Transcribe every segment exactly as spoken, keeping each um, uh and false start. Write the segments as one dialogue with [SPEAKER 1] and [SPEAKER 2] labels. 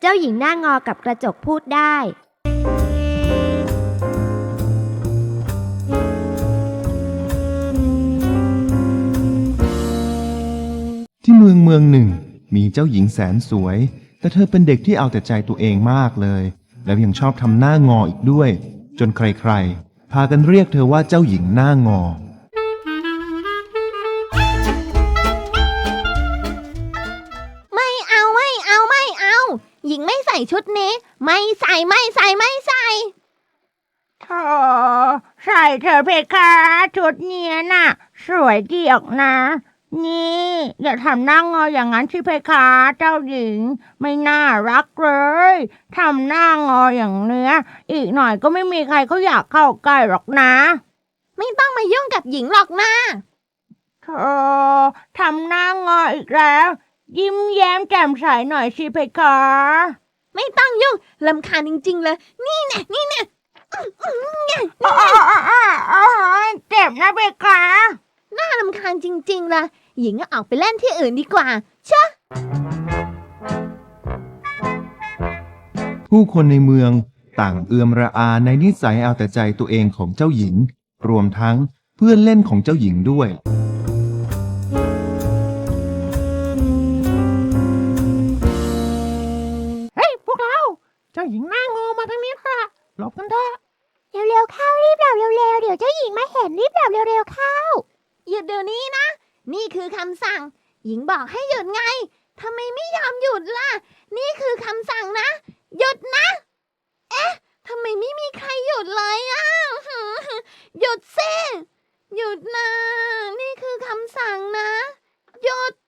[SPEAKER 1] จ้าหญิงหน้างอกับกระจกพูดได้
[SPEAKER 2] ที่เมืองเมืองหนึ่งมีเจ้าหญิงแสนสวยแต่เธอเป็นเด็กที่เอาแต่ใจตัวเองมากเลยแล้วยังชอบทำหน้างออีกด้วยจนใครๆพากันเรียกเธอว่าเจ้าหญิงหน้างอ
[SPEAKER 1] ไม่เอาไม่เอาไม่เอาหญิงไม่ใส่ชุดนี้ไม่ใส่ไม่ใส่ไม่ใส่
[SPEAKER 3] โธ่ใส่เธอเพคะชุดเนี้ยน่ะสวยดีออกนะนี่อย่าทำหน้างออย่างนั้นสิเพคะเจ้าหญิงไม่น่ารักเลยทำหน้างออย่างเนี้ยอีกหน่อยก็ไม่มีใครเขาอยากเข้าใกล้หรอกนะ
[SPEAKER 1] ไม่ต้องมายุ่งกับหญิงหรอกนะ
[SPEAKER 3] เธอทำหน้างออีกแล้วยิ้มแย้มแจ่มใสหน่อยสิเพคะ
[SPEAKER 1] ไม่ต้องยุ่งรำคาญจริงๆเลยนี่แน่นี่แน่
[SPEAKER 3] เจ็บนะเพคะ
[SPEAKER 1] น่ารำคาญจริงๆเลยหญิงก็ออกไปเล่นที่อื่นดีกว่าชะ
[SPEAKER 2] ผู้คนในเมืองต่างเอือมระอาในนิสัยเอาแต่ใจตัวเองของเจ้าหญิงรวมทั้งเพื่อนเล่นของเจ้าหญิงด้วย
[SPEAKER 3] เฮ้ยพวกเราเจ้าหญิงหน้างอมาทางนี้ค่ะหลบกันเถอะ
[SPEAKER 1] เร็วๆเข้ารีบหลับเร็วๆเดี๋ยวเจ้าหญิงมาเห็นรีบหลับเร็วๆเข้าหยุดเดี๋ยวนี้นะนี่คือคำสั่งหญิงบอกให้หยุดไงทำไมไม่ยอมหยุดล่ะนี่คือคำสั่งนะหยุดนะเอ๊ะทำไมไม่มีใครหยุดเลยอ่ะหยุดสิหยุดนะนี่คือคำสั่งนะหยุด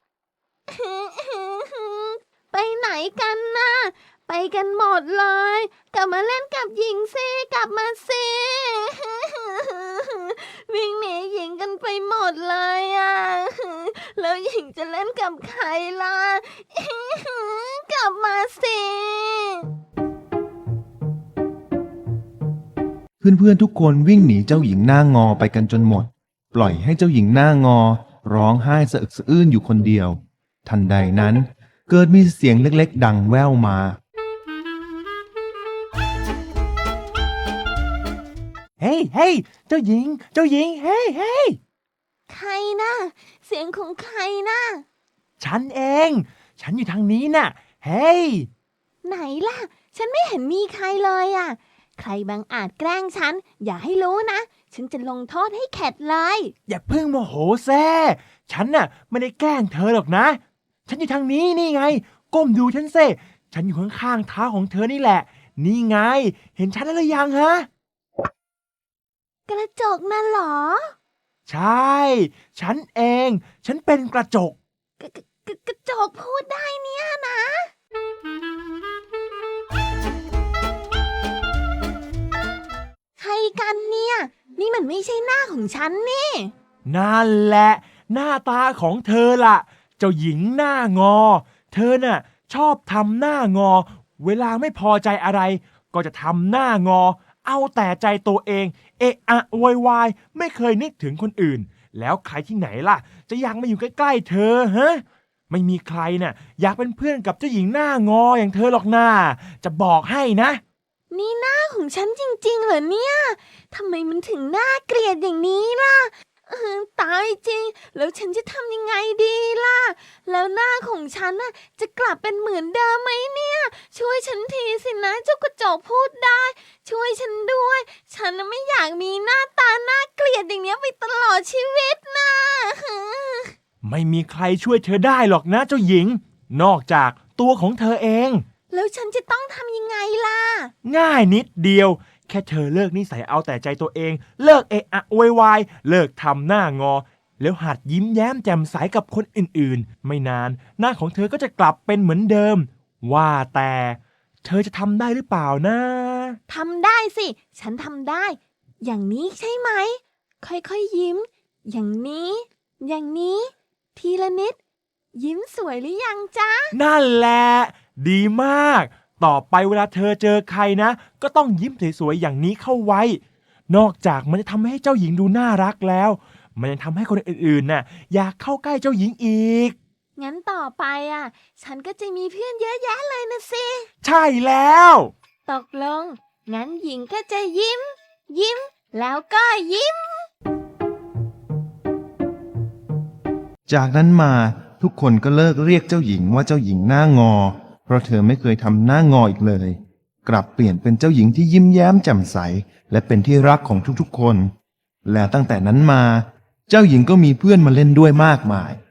[SPEAKER 1] ไปไหนกันนะไปกันหมดเลยกลับมาเล่นกับหญิงสิกลับมาสิวิ่งหนีหญิงกันไปหมดเลยอ่ะแล้วหญิงจะเล่นกับใครล่ะกลับมาสิ
[SPEAKER 2] เพื่อนๆทุกคนวิ่งหนีเจ้าหญิงหน้างอไปกันจนหมดปล่อยให้เจ้าหญิงหน้างอร้องไห้สะอึกสะอื้นอยู่คนเดียวทันใดนั้นเกิดมีเสียงเล็กๆดังแว่วมา
[SPEAKER 4] เฮ้ยเฮ้ยเจ้าหญิงเจ้าหญิงเฮ้ยเฮ้ย
[SPEAKER 1] ใครนะเสียงของใครนะ
[SPEAKER 4] ฉันเองฉันอยู่ทางนี้น่ะเฮ้ย
[SPEAKER 1] ไหนล่ะฉันไม่เห็นมีใครเลยอ่ะใครบังอาจแกล้งฉันอย่าให้รู้นะฉันจะลงโทษให้เข็ดเลย
[SPEAKER 4] อย่าเพิ่งโมโหแซ่ฉันน่ะไม่ได้แกล้งเธอหรอกนะฉันอยู่ทางนี้นี่ไงก้มดูฉันเซ่ฉันอยู่ข้างๆเท้าของเธอนี่แหละนี่ไงเห็นฉันแล้วหรือยังฮะ
[SPEAKER 1] กระจกนั่นเหรอ
[SPEAKER 4] ใช่ฉันเองฉันเป็นกระจก
[SPEAKER 1] กกกระจกพูดได้เนี่ยนะใครกันเนี่ยนี่มันไม่ใช่หน้าของฉันนี่
[SPEAKER 4] นั่นแหละหน้าตาของเธอล่ะเจ้าหญิงหน้างอเธอน่ะชอบทำหน้างอเวลาไม่พอใจอะไรก็จะทำหน้างอเอาแต่ใจตัวเองเอะอะโวยวายไม่เคยนึกถึงคนอื่นแล้วใครที่ไหนล่ะจะอยากมาอยู่ใกล้ๆเธอฮะไม่มีใครน่ะอยากเป็นเพื่อนกับเจ้าหญิงหน้างออย่างเธอหรอกนะจะบอกให้นะ
[SPEAKER 1] นี่หน้าของฉันจริงๆเหรอเนี่ยทำไมมันถึงน่าเกลียดอย่างนี้ล่ะตายจริงแล้วฉันจะทำยังไงดีล่ะแล้วหน้าของฉันน่ะจะกลับเป็นเหมือนเดิมไหมเนี่ยช่วยฉันทีสินะเจ้ากระจกพูดได้ช่วยฉันด้วยฉันไม่อยากมีหน้าตาน่าเกลียดอย่างนี้ไปตลอดชีวิตนะ
[SPEAKER 4] ไม่มีใครช่วยเธอได้หรอกนะเจ้าหญิงนอกจากตัวของเธอเอง
[SPEAKER 1] แล้วฉันจะต้องทำยังไงล่ะ
[SPEAKER 4] ง่ายนิดเดียวแค่เธอเลิกนิสัยเอาแต่ใจตัวเองเลิกเอะอะโวยวายเลิกทำหน้างอแล้วหัดยิ้มแย้มแจ่มใสกับคนอื่นๆไม่นานหน้าของเธอก็จะกลับเป็นเหมือนเดิมว่าแต่เธอจะทำได้หรือเปล่านะ
[SPEAKER 1] ทำได้สิฉันทำได้อย่างนี้ใช่ไหมค่อยๆยิ้มอย่างนี้อย่างนี้ทีละนิดยิ้มสวยหรือยังจ๊ะ
[SPEAKER 4] นั่นแหละดีมากต่อไปเวลาเธอเจอใครนะก็ต้องยิ้มสวยๆอย่างนี้เข้าไว้นอกจากมันจะทำให้เจ้าหญิงดูน่ารักแล้วมันยังทำให้คนอื่นๆน่ะอยากเข้าใกล้เจ้าหญิงอีก
[SPEAKER 1] งั้นต่อไปอ่ะ ฉันก็จะมีเพื่อนเยอะแยะเลยนะสิ
[SPEAKER 4] ใช่แล้ว
[SPEAKER 1] ตกลง งั้นหญิงก็จะยิ้ม ยิ้ม แล้วก็ยิ้ม
[SPEAKER 2] จากนั้นมาทุกคนก็เลิกเรียกเจ้าหญิงว่าเจ้าหญิงหน้างอ เพราะเธอไม่เคยทำหน้างออีกเลย กลับเปลี่ยนเป็นเจ้าหญิงที่ยิ้มแย้มแจ่มใสและเป็นที่รักของทุกๆคน และตั้งแต่นั้นมา เจ้าหญิงก็มีเพื่อนมาเล่นด้วยมากมาย